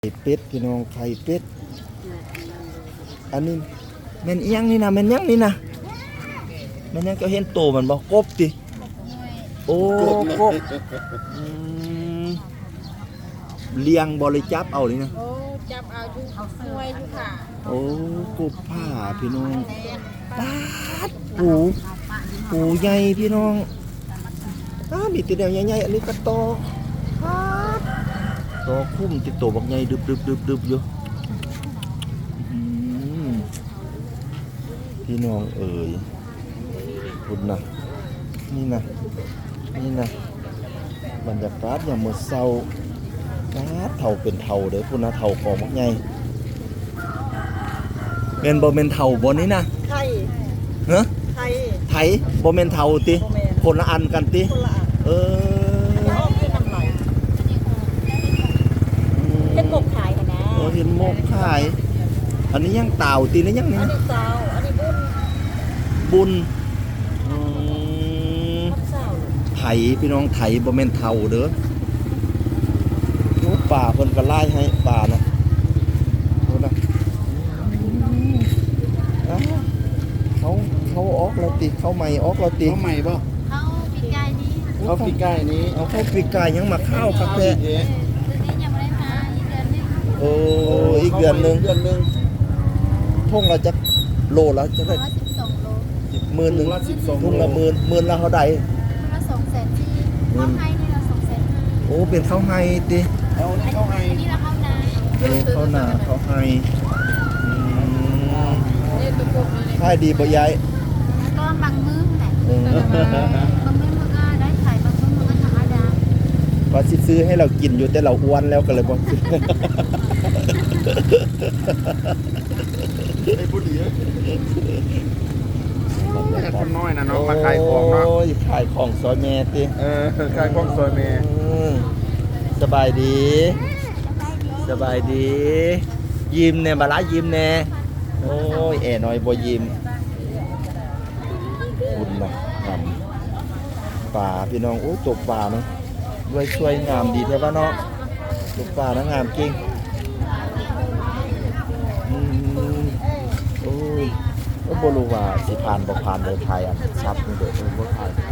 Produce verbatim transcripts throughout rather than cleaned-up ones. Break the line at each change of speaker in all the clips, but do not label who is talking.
ไข่เป็ดพี่น้องไข่เป็ดอันนี้แม่นเอียงนี่นะแม่นยังนี่นะแม่นยังก็เห็นโตมันบ่กบติโอ้กบอืมเลี้ยงบ่เลยจับเอานี่นะ
โอ้จับเอาอยู่เอาช่วยอยู่ค่ะ
โอ้กบผ้าพี่น้องปาดปูปูใหญ่พี่น้องอ้ามีแติแนวใหญ่ๆอันนี้ก็โตปาดโตคุ้มติโตบักใหญ่ดึบๆๆๆอยู่อืมพี่น้องเอ๋ยคุณนะนี่นะนี่นะบรรยากาศอย่างมื้อเช้าปาดเฒ่าเป็นเฒ่าเด้อพุ่นนะเฒ่ากองบักใหญ่แม่นบ่แม่นเฒ่าบ่นี่นะ
ไทย
ฮะ
ไทย
ไถบ่แม่นเฒ่าติ
บ่แม่น
คนละอันกันติ
คนละอัน
เออ
จะออกที่น้ำไหลเฮ็ดกบขายค่ะนะ
เออเห็นหมกขาย อันนี้ยังเต่าตินี่ยัง
อั
นี่
นนี้เจ้าอันนี้บุญ
บุญอืม
มันเจ้า
ไถพี่น้องไถบ่แม่นเฒ่าเด้อโอ้ป่าเพิ่นก็ไล่ให้ป่านะโอ้นะอ้าวเขาเขาออกแล้วติเขาใหม่ออกแล้วติ
เขาใหม่ป่ะ
เขาปีกายนี้
เขาปีใกล้นี้
เอาเข้าปีกายยังมาข้าวครับแท้
ตัวนี้ยังไม่ได้มาอีกเดือนนึง
โอ้อีกเดือนหนึง
เดือนหนึง
ทุ่งเราจะโลละจะได้
ร้อยสิบสองโล
หมื่นหนึ่ง
ละสิบสอง
ทุ่งละหมื่นหมื่นละเท่าใด
ละสองแสนสี่เข้าให้นี่ละสองแสนห้า
โอ้เป็นข้าวไฮติ
เอานี่เขาให้
อันนี้ละเข้านา
เออข้าวหน้าข้าวไฮอืม
เรียกตัวกบเลย
ขายดีบ่ยาย
ก็บางมื้อแหละ
เออบ
างมื้อมันก็ได้ขายบางมื้อมันก็ธรรมดา
ว่าสิซื้อให้เรากินอยู่แต่เราอ้วนแล้วก็เลยบ่ซื้อ
ไอ้ผู้ดีแม่คนน้อยนะเนาะมาขายของเนาะ
โอ้ยขายของซอยแม่ติ
เออขายของซอยเมย์
อืมสบายดี สบายดี ยิ้มแน่บาละยิ้มแน่โอ้ยแอน้อยบ่ยิ้มบุญนะทำป่าพี่น้องโอ้ตกป่าเนาะด้วยช่วยงามดีแท้ป่ะเนาะตกป่านะงามจริงอืมโอ้ยก็บ่รู้ว่าสิผ่านบ่ผ่านเลยไทยอันซับนี่เด้อบ่ผ่าน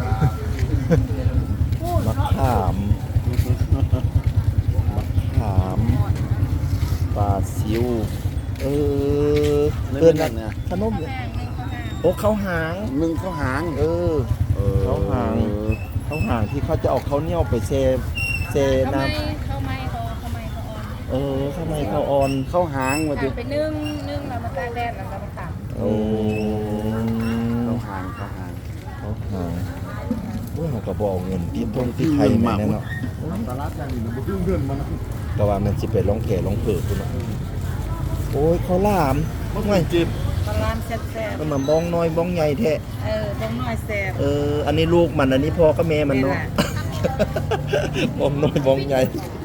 มะขามมะขามปลาซิวเออ
เลื่
เอิ้
อน น
นะ
เนี่ย
ขนมเนี่ยโอ้ข้าวหาง
มึงเขาหาง
เออ เขาหาง ข้าวหางที่เขาจะเอาข้าวเหนียวไปเซเซ
เขา
น้
ไม่เขาไม่เขาเขาไม่เขาอ่อน
ำเออข้าวในข้าวอ่อน
เขาหางมาดิ
ไปนึ่งนึ่งแล้วมาตากแดดแล้วมาตาก
โอ้
เขาหางเขาหาง
ข้าวหางโอ้ยเขาก็บอกเงินที่ตรงที่ไทยแม่นเนาะ
ตลาดอย่างนี้มันบ่เงินมัน
แต่ว่ามันสิไปลองแข่ลองเผือกคุณเนาะโอ้ยข้าวหลามไม่
จิบ
ปลาลานแซ่บ
มันมาบ้องน้อยบ้องใหญ่แท้
ๆเออบ้องน้อยแซ่บ
เอออันนี้ลูกมันอันนี้พ่อก็แม่มันเนาะ บ้องน้อยบ้องใหญ่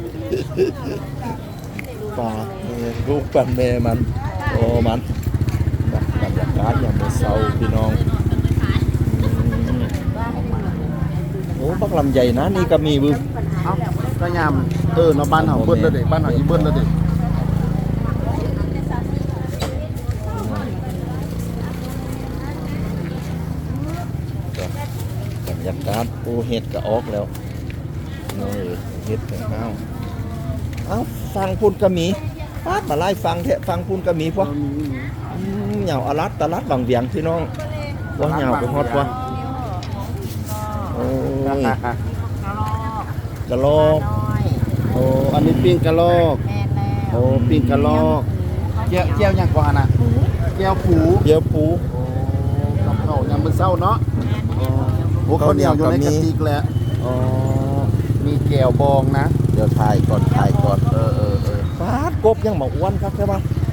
ปลาเออลูกปันแม่มันโอ้มันบรรยากาศอย่างเศร้าพี่น้องอืมโอ้บักลำใหญ่นะนี่ก็มีบึ้
เอ้าก็ยามเออเนาะบ้านเฮาเบิ้ลแล้วเด้บ้านเฮาอีเบิ้ลแล้วเด้
บรรยากาศโอ้เห็ดก็ออกแล้วนี่เห็ดกับข้าวเอ้าฟังพูนกระหมีปาดมาไล่ฟังเถอะฟังพูนกระหมีพวกเหย่าอลัดตะลัดวังเวียงพี่น้องว่าเหย่าไปฮอดวะโอ้ยกระโลก
โอ้อันนี้ปิ้งกะลอก
แม่นแล้ว
โอ้ปิ้งกะลอกแก้วแก้วหยังกว่าหั่นน่ะแก้วผู
เดี๋ยวปู
โอ้กับข้าวยามมื้อเช้าเนาะอ๋อโอ้ข้าวเหนียวอยู่ในกระติกแล้ว
อ๋อ
มีแก้วบองนะ
เดี๋ยวถ่ายก่อนถ่ายก่อน
เออเออเออ
ปาดกบยังมาอ้วนครับใช่ปะ